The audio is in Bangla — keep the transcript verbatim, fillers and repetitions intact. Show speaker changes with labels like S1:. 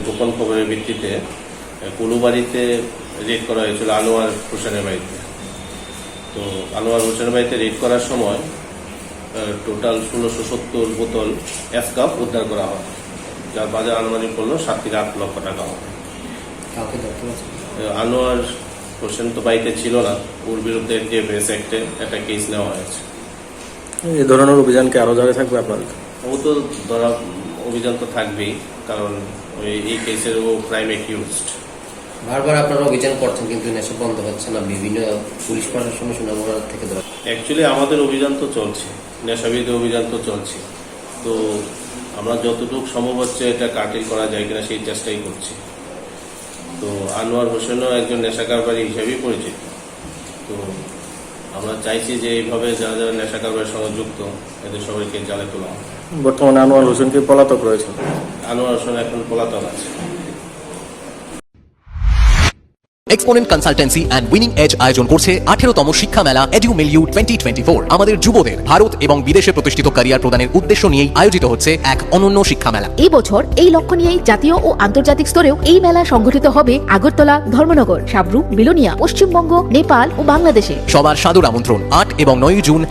S1: গোপন খবরের ভিত্তিতে কুলুবাড়িতে রেড করা হয়েছিল আনোয়ার হোসেনের বাড়িতে। তো আনোয়ার হোসেনের বাড়িতে রেড করার সময় টোটাল ষোলোশো সত্তর বোতল এসকাপ উদ্ধার করা হয়, যার বাজার আনুমানিক মূল্য সাত থেকে আট লক্ষ টাকা হবে। আনোয়ার হোসেন তো বাড়িতে ছিল না, ওর বিরুদ্ধে ডিএফএস অ্যাক্টে একটা কেস নেওয়া হয়েছে।
S2: এই ধরনের অভিযানকে আরো জারি থাকবে আপনাদের?
S1: ও তো ধরা অভিযান তো থাকবেই, কারণ ওই এই কেসের ও প্রাইম অ্যাকিউজড।
S3: বারবার আপনারা অভিযান করছেন কিন্তু নেশা বন্ধ হচ্ছে না, বিভিন্ন পুলিশ প্রশাসনের সুনামুনা থেকে ধরা।
S1: অ্যাকচুয়ালি আমাদের অভিযান তো চলছে, নেশাবিরোধী অভিযান তো চলছে। তো আমরা যতটুকু সম্ভব হচ্ছে এটা কাটিল করা যায় কিনা সেই চেষ্টাই করছি। তো আনোয়ার হোসেনও একজন নেশা কারবারি হিসেবেই পরিচিত। তো আমরা চাইছি যে এইভাবে যারা যারা নেশা কারবারের সঙ্গে যুক্ত এদের সবাইকে জালে তোলা হয়।
S2: বর্তমানে আনোয়ার হোসেনকে পলাতক রয়েছে।
S1: আনোয়ার হোসেন এখন পলাতক আছে।
S4: Exponent consultancy and winning edge আয়োজন করছে আঠেরোতম শিক্ষা মেলা edu milieu twenty twenty four. আমাদের যুবদের ভারত এবং বিদেশে প্রতিষ্ঠিত ক্যারিয়ার প্রদানের উদ্দেশ্য নিয়েই আয়োজিত হচ্ছে এক অনন্য শিক্ষা মেলা।
S5: এই বছর এই লক্ষ্য নিয়েই জাতীয় ও আন্তর্জাতিক স্তরেও এই মেলা সংগঠিত হবে আগরতলা, ধর্মনগর, সাবরু, বিলোনিয়া, পশ্চিমবঙ্গ, নেপাল ও বাংলাদেশে।
S4: সবার সাদর আমন্ত্রণ আট এবং নয় জুন